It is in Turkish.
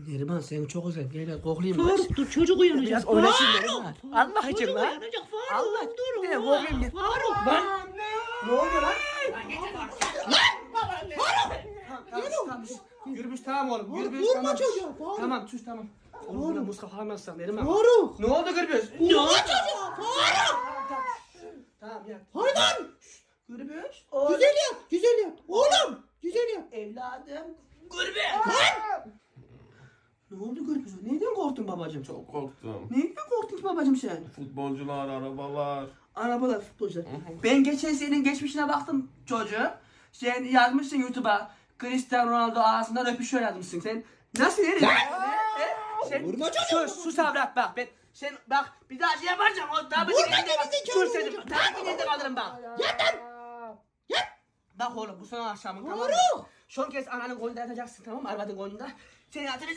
Neriman seni çok özledim. Gel koklayayım. Faruk dur çocuk uyanacak. Biraz oynaşayım Neriman. Allah için Çocuk lan. uyanacak Faruk. Allah Dur. için. Koklayayım gel. Faruk. Lan. Ne oldu lan? Tamam. Gürbüz tamam oğlum. Gürbüz vurma tamam. çocuğa, Faruk. Tamam sus tamam. Oğlum burada muska falan nasıl Neriman? Faruk. Ne oldu Gürbüz? Ne oldu çocuğa? Faruk. Tamam ya. Hayvan. Gürbüz. Güzel yap. Güzel yap. Oğlum. Güzel yap. Evladım. Gürbüz. Ne oldu Gürbüz? Neyden korktun babacığım? Çok korktum. Neyden korktun babacığım sen? Futbolcular, arabalar. Arabalar futbolcular. Ben geçen senin geçmişine baktım çocuğum. Sen yazmışsın YouTube'a. Cristiano Ronaldo ağzından öpüşüyor yazmışsın. Sen nasıl herif? Sen Vurma çocuğum. sus avrat bak. Sen bak bir daha şey yapacağım. O daha Vurma bir gerizekalı sus dedim. vuracağım. Daha bir yerde kalırım bak. Yat lan. Yat. Bak oğlum bu sana akşamın tamam mı? Faruk. Son kez ananın golünde yatacaksın tamam mı? Arvadın golünde. Seni